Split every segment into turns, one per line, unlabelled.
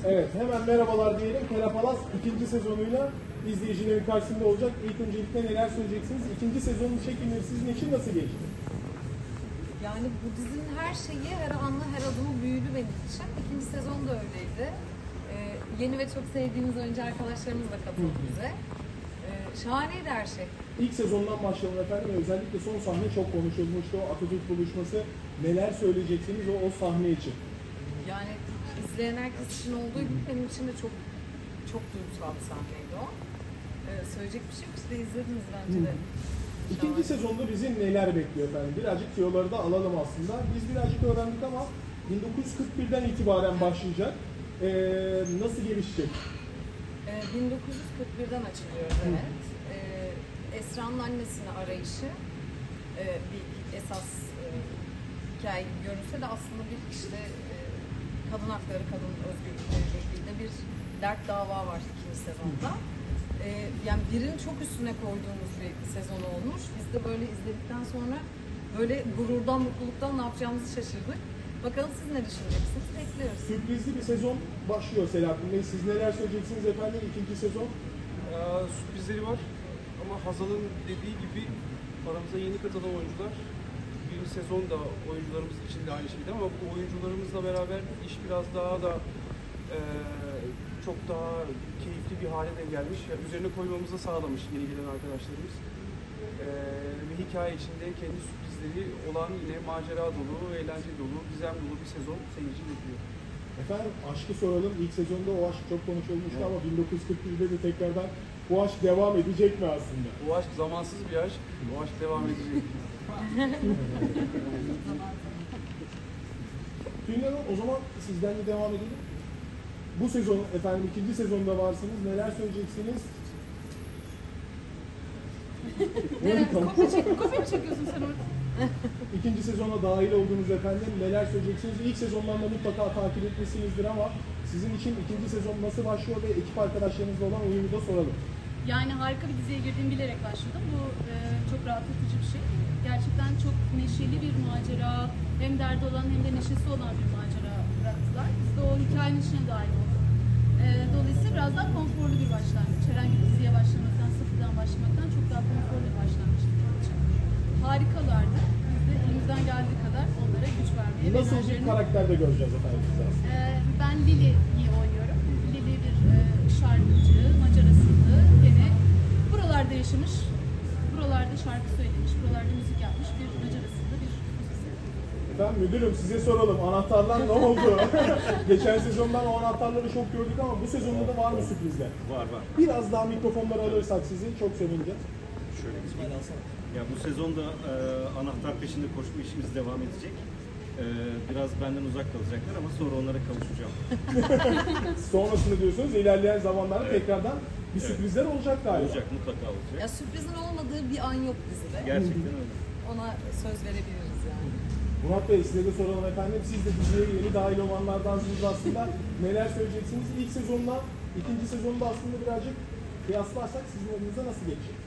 Evet, hemen merhabalar diyelim. Kerapalas ikinci sezonuyla izleyicilerin karşısında olacak. İlk öncelikle neler söyleyeceksiniz? İkinci sezonun çekimleri sizin için nasıl geçti?
Yani bu dizinin her şeyi, her anla, her adımı büyülü benim için. İkinci sezon da öyleydi. Yeni ve çok sevdiğimiz oyuncu arkadaşlarımız da katıldı bize. Şahaneydi her şey.
İlk sezondan başlayalım efendim. Özellikle son sahne çok konuşulmuştu. O Atatürk buluşması. Neler söyleyeceksiniz o sahne için?
Yani izleyen herkes için olduğu gibi benim için de çok çok duygusal bir sahneydi o. Söyleyecek bir şey yok. Siz de izlediniz bence de.
İkinci sezonda bizi neler bekliyor efendim? Birazcık tiyoları da alalım aslında. Biz birazcık öğrendik ama 1941'den itibaren başlayacak. Nasıl gelişecek?
1941'den açılıyoruz, evet. Esra'nın annesini arayışı bir esas hikaye gibi görünse de aslında bir işte kadın hakları, kadın özgürlükleriyle ilgili de bir dert dava var ikinci sezonda. Yani birini çok üstüne koyduğumuz bir sezon olmuş. Biz de böyle izledikten sonra böyle gururdan, mutluluktan ne yapacağımızı şaşırdık. Bakalım siz ne düşüneceksiniz? Bekliyoruz.
Sürprizli bir sezon başlıyor Selahattin Bey. Siz neler söyleyeceksiniz efendim ikinci sezon?
Sürprizleri var ama Hazal'ın dediği gibi aramıza yeni katılan oyuncular. Birinci sezon da oyuncularımız için de aynı şeydi ama bu oyuncularımızla beraber iş biraz daha da çok daha keyifli bir hale de gelmiş. Yani üzerine koymamızı sağlamış yeni gelen arkadaşlarımız. Ve hikaye içinde kendi sürprizleri olan yine macera dolu, eğlence dolu, gizem dolu bir sezon seyirci bekliyor.
Efendim aşkı soralım. İlk sezonda o aşk çok konuşulmuştu ama 1941'de de tekrardan bu aşk devam edecek mi aslında?
Bu aşk zamansız bir aşk, bu aşk devam edecek.
Tülin Hanım o zaman sizden de devam edelim. Bu sezon efendim ikinci sezonda varsınız. Neler söyleyeceksiniz?
Kopya mı çekiyorsun sen orada?
İkinci sezona dahil oldunuz efendim. Neler söyleyeceksiniz? İlk sezondan da mutlaka takip etmişsinizdir ama sizin için ikinci sezon nasıl başlıyor ve ekip arkadaşlarınızla olan uyumu da soralım.
Yani harika bir diziye girdiğimi bilerek başladım. Bu çok rahatlatıcı bir şey. Gerçekten çok neşeli bir macera, hem derdi olan hem de neşesi olan bir macera bıraktılar. Biz de o hikayenin içine dahil olduk. Dolayısıyla biraz daha konforlu bir başlangıç. Herhangi bir diziye başlamaktan, sıfırdan başlamaktan çok daha konforlu bir başlangıç benim için. Harikalardı. Biz de elimizden geldiği kadar onlara güç vermeye ve
Nasıl bir karakterde göreceğiz efendim sizi aslında?
Ben Lili'yi oynuyorum. Lili bir şarkıcı, Macar asıllı, gene buralarda yaşamış, buralarda şarkı söylemiş, buralarda müzik yapmış bir Macar asıllı bir müzisyen.
Efendim müdürüm size soralım. Anahtarlar ne oldu? Geçen sezondan o anahtarları çok gördük ama bu sezonda da var mı sürprizler?
Var.
Biraz daha mikrofonları alırsak sizi çok sevineceğiz.
Şöyle ya bu sezonda anahtar peşinde koşma işimiz devam edecek. Biraz benden uzak kalacaklar ama sonra onlara kavuşacağım.
Sonrasını diyorsunuz ilerleyen zamanlarda tekrardan bir sürprizler olacak galiba.
Olacak, mutlaka olacak.
Ya sürprizin olmadığı bir an yok dizide.
Gerçekten öyle.
Ona söz verebiliriz yani.
Murat Bey size de soralım efendim. Siz de diziye yeni dahil olanlardansınız aslında. Neler söyleyeceksiniz? İlk sezonla ikinci sezonda aslında birazcık kıyaslarsak sizin adınıza nasıl geçecek?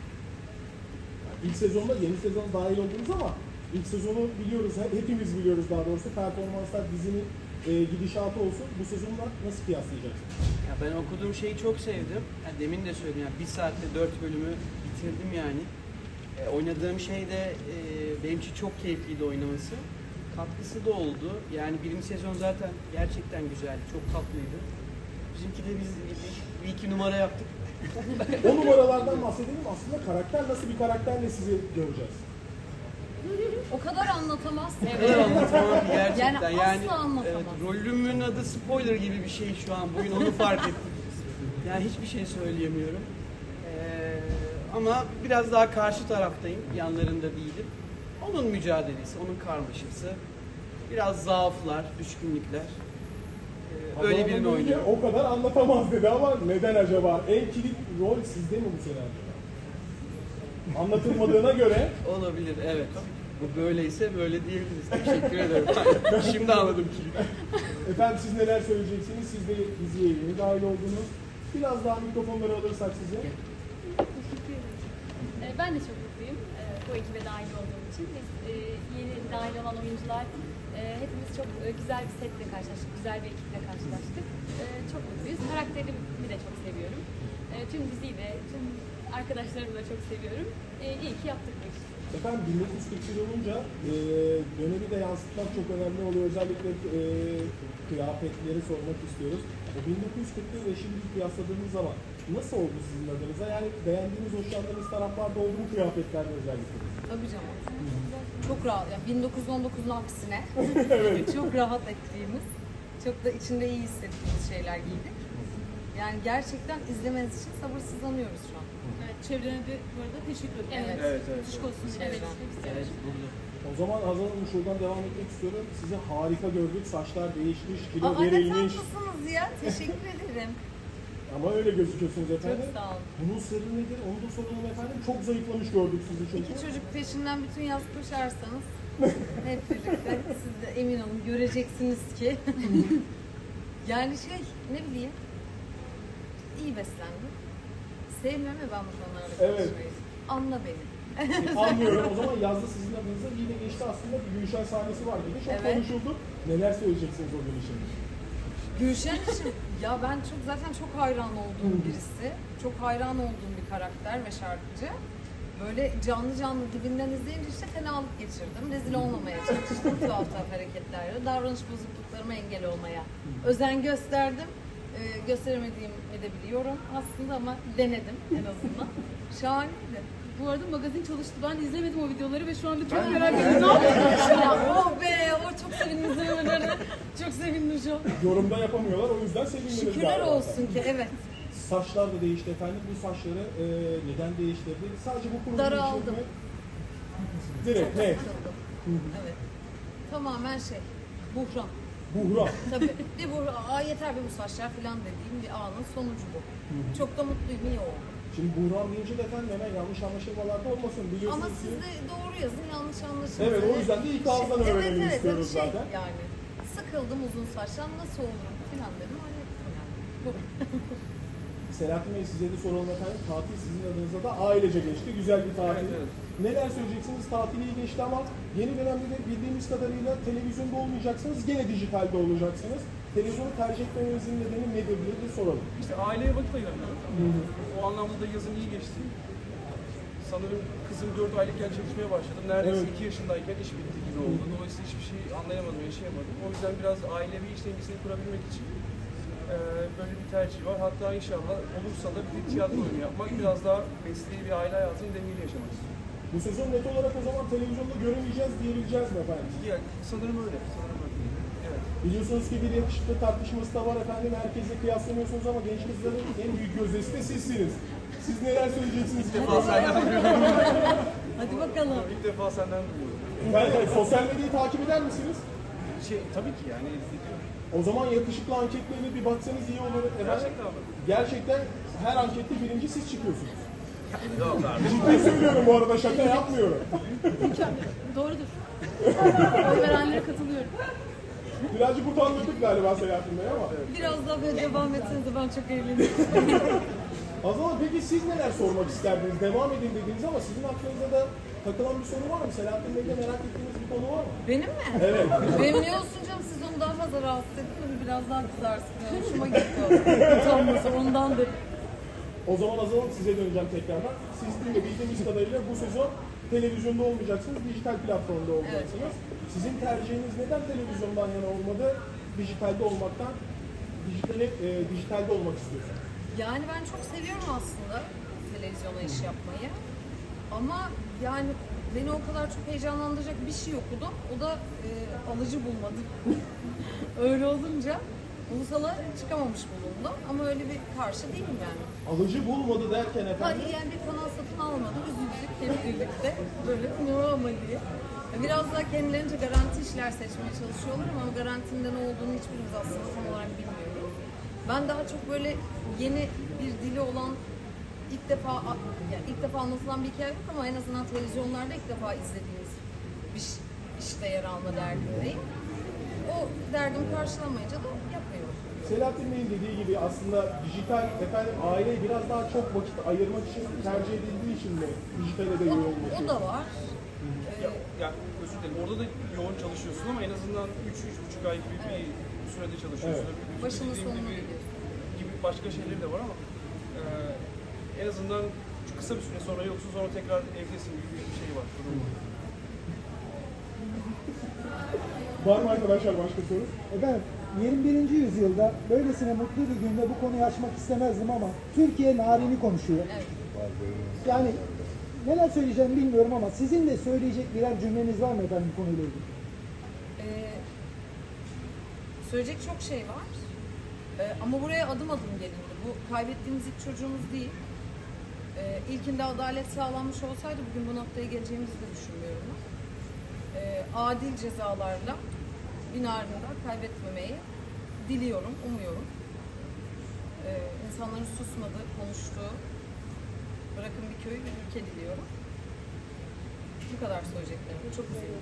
Yani ilk sezonda yeni sezon dahil oldunuz ama ilk sezonu biliyoruz, hepimiz biliyoruz daha doğrusu. Performanslar, dizinin gidişatı olsun. Bu sezonla nasıl kıyaslayacaksınız?
Ya ben okuduğum şeyi çok sevdim. Ya demin de söyledim, yani 1 saatte 4 bölümü bitirdim yani. Oynadığım şey de benim için çok keyifliydi oynaması. Katkısı da oldu. Yani birinci sezon zaten gerçekten güzeldi, çok tatlıydı. Bizimki de biz bir iki numara yaptık.
O numaralardan bahsedelim. Aslında karakter nasıl bir karakterle sizi göreceğiz?
O kadar anlatamaz.
Evet, anlatamam gerçekten.
Yani asla anlatamaz.
Evet, rolümün adı spoiler gibi bir şey şu an. Bugün onu fark ettim. Yani hiçbir şey söyleyemiyorum. Ama biraz daha karşı taraftayım. Yanlarında değilim. Onun mücadelesi, onun karmaşası. Biraz zaaflar, düşkünlükler. Öyle birini oynuyor.
O kadar anlatamaz dedi ama neden acaba? En kilit rol sizde mi bu sene acaba? Anlatılmadığına göre.
Olabilir, evet. Bu böyleyse böyle diyebiliriz. Teşekkür ederim. Şimdi anladım ki.
Efendim siz neler söyleyeceksiniz? Siz de diziye yeni dahil oldunuz. Biraz daha mikrofonları alırsak size.
Teşekkür ederim. Ben de çok mutluyum bu ekibe dahil olduğum için. Biz yeni dahil olan oyuncular hepimiz çok güzel bir setle karşılaştık, güzel bir ekiple karşılaştık. Arkadaşlarımı da çok seviyorum. İyi ki yaptık bu işi.
Efendim 1941 olunca dönemi de yansıtmak çok önemli oluyor. Özellikle kıyafetleri sormak istiyoruz. O 1941 ve şimdi kıyasladığınız zaman nasıl oldu sizin adınıza? Yani beğendiğiniz, hoşlandığınız taraflarda oldu mu kıyafetlerde özellikle?
Tabii canım. Çok rahat. Yani 1919'un aksine çok rahat ettiğimiz, çok da içinde iyi hissettiğimiz şeyler giydik. Yani gerçekten izlemeniz için sabırsızlanıyoruz şu an.
Evet, çevrene de bu arada teşekkür ederim.
Evet.
Evet, evet.
Işık olsun.
Evet.
Evet.
O zaman Hazal Hanım şuradan devam etmek istiyorum. Sizi harika gördük. Saçlar değişmiş, kilo
Aa, ne
verilmiş.
tatlısınız ya. Teşekkür ederim.
Ama öyle gözüküyorsunuz efendim.
Çok sağ olun.
Bunun sırrı nedir? Onu da soralım efendim. Çok zayıflamış gördük sizi çünkü.
İki çocuk peşinden bütün yaz koşarsanız hep birlikte siz de emin olun göreceksiniz ki yani ne bileyim iyi beslendim. Sevmiyorum ya ben bu konularda
Evet.
konuşmayı. Anla beni.
Anlıyorum. O zaman yazda sizin adınıza iyi de geçti aslında. Bir Gülşen sahnesi var dedi. Çok
Evet.
konuşuldu. Neler söyleyeceksiniz o gün için?
Gülşen için ya ben zaten çok hayran olduğum birisi. Çok hayran olduğum bir karakter ve şarkıcı. Böyle canlı canlı dibinden izleyince işte fenalık geçirdim. Rezil olmamaya çalıştım tuhaf tuhaf hareketlerle. Davranış bozukluklarıma engel olmaya özen gösterdim. Gösteremediğimi de biliyorum aslında ama denedim en azından. Şahaneydi.
Bu arada magazin çalıştı. Ben izlemedim o videoları ve şu anda çok merak ediyorum. Ne yapıyorsun?
Ya oh be, o çok sevindim izlemelerine. Çok sevindim şu an.
Yorumda yapamıyorlar. O yüzden sevindiniz
Şükürler
galiba.
olsun ki evet.
Saçlar da değişti efendim. Bu saçları neden değiştirdi? Sadece bu kurulu
Daraldım.
Direkt ne?
Sıkıldım. Evet. Tamamen buhran.
Buhran.
Tabii. Bir buhran, yeter be bu saçlar falan dediğim bir anın sonucu bu. Çok da mutluyum, iyi oldu.
Şimdi buhran deyince de efendim hemen yanlış anlaşılmalar da olmasın. Biliyorsunuz
Ama
ki...
siz de doğru yazın, yanlış anlaşılsın.
Evet, o yüzden de ilk ağızdan öğrenelim istiyoruz
evet,
zaten.
Yani sıkıldım uzun saçtan, nasıl olurum falan dedim. Hallettim yani. Bu.
Selahattin Bey size de soralım efendim. Tatil sizin adınıza da ailece geçti. Güzel bir tatil.
Evet, evet.
Neler söyleyeceksiniz? Tatil iyi geçti ama yeni dönemde de bildiğimiz kadarıyla televizyonda olmayacaksınız. Gene dijitalde olacaksınız. Televizyonu tercih etmenizin nedeni nedir diye de soralım.
İşte aileye vakit ayıramıyorum. O anlamda da yazın iyi geçti. Sanırım kızım 4 aylıkken çalışmaya başladım. Neredeyse
Evet.
2 yaşındayken iş bitti gibi oldu. Dolayısıyla hiçbir şey anlayamadım, yaşayamadım. O yüzden biraz ailevi iş dengesini kurabilmek için böyle bir tercih var. Hatta inşallah olursa da bir tiyatro oyunu yapmak, biraz daha mesleği bir aile hayatını dengeli yaşamak istiyorum.
Bu sezon net olarak o zaman televizyonda göremeyeceğiz diyebileceğiz mi efendim?
Yani sanırım öyle. Evet.
Biliyorsunuz ki bir yakışıklı tartışması da var efendim. Herkesle kıyaslanıyorsunuz ama genç kızların en büyük gözdesi de sizsiniz. Siz neler söyleyeceksiniz?
İlk defa senden duyuyorum.
Hadi bakalım.
İlk defa senden duyuyorum.
Ben sosyal medyayı takip eder misiniz?
Tabii ki yani izliyorum.
O zaman yakışıklı anketlerine bir baksanız iyi olur. Efendim,
Gerçekten mi?
gerçekten her ankette birinci siz çıkıyorsunuz.
Yok abi.
Ciddi söylüyorum bu arada, şaka yapmıyorum.
Doğrudur. Oy verenlere katılıyorum.
Birazcık utandırdık galiba Selahattin Bey ama.
Biraz daha böyle devam etseniz de ben çok eğlenirim.
O zaman peki siz neler sormak isterdiniz? Devam edin dediniz ama sizin aklınızda da takılan bir soru var mı? Selahattin Bey'de merak ettiğiniz bir konu var mı?
Benim mi?
Evet.
Benim ne olsun canım, siz onu daha fazla rahatsız ettiniz. Biraz daha kızarsın. Yani hoşuma gitti o. Utanması ondandır.
O zaman Azal'ım size döneceğim tekrardan. Siz de bildiğimiz kadarıyla bu sezon televizyonda olmayacaksınız, dijital platformda olacaksınız. Sizin tercihiniz neden televizyondan yana olmadı, dijitalde olmaktan, dijitalde olmak istiyorsunuz?
Yani ben çok seviyorum aslında televizyona iş yapmayı. Ama yani beni o kadar çok heyecanlandıracak bir şey okudum. O da alıcı bulmadım. Öyle olunca ulusala çıkamamış bulundum. Ama öyle bir karşı değilim yani.
Alıcı bulmadı derken efendim,
Yani bir kanal satın almadım. Üzüldük hep birlikte. Böyle ne ama diye. Biraz daha kendilerince garanti işler seçmeye çalışıyorlar ama garantinin de ne olduğunu hiçbirimiz aslında tam olarak bilmiyoruz. Ben daha çok böyle yeni bir dili olan ilk defa anlatılan bir hikaye yok ama en azından televizyonlarda ilk defa izlediğimiz bir işte yer alma derdindeyim. O derdimi karşılamayınca da yapmıyorum.
Selahattin Bey'in dediği gibi aslında dijital efendim aileye biraz daha çok vakit ayırmak için tercih edildiği için mi dijitale de yoğunlaşıyor?
O da var.
Ya özür dilerim. Orada da yoğun çalışıyorsun ama en azından 3-3,5 ay gibi bir sürede çalışıyorsun.
Evet.
Müzik
Başının
dediğim
sonuna
gibi,
gidiyorsun.
gibi başka şeyleri de var ama en azından kısa bir süre sonra yoksa sonra tekrar evdesin gibi bir şey var. Durum var.
Var mı arkadaşlar başka soru?
Efendim 21. yüzyılda böylesine mutlu bir günde bu konuyu açmak istemezdim ama Türkiye narini konuşuyor.
Evet.
Yani neler söyleyeceğimi bilmiyorum ama sizin de söyleyecek birer cümleniz var mı efendim bu konuyla ilgili?
Söyleyecek çok şey var. Ama buraya adım adım gelindi. Bu kaybettiğimiz ilk çocuğumuz değil. İlkinde adalet sağlanmış olsaydı bugün bu noktaya geleceğimizi de düşünmüyorum ben. Adil cezalarla bin ardında kaybetmemeyi diliyorum, umuyorum. İnsanların susmadığı, konuştuğu, bırakın bir köy, bir ülke diliyorum. Bu kadar söyleyeceklerim. Çok üzüldüm.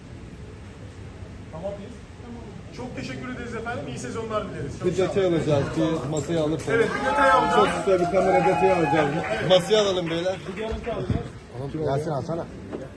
Tamam biz. Çok teşekkür ederiz efendim. İyi sezonlar dileriz. Çok
Bir
sağ olun.
detay alacağız. Bir masaya alırsanız.
Evet, bir detay alacağız.
Çok kısa bir kamera detayı alacağız. Masaya alalım beyler.
Bir görüntü alacağız.
Yasin alsana.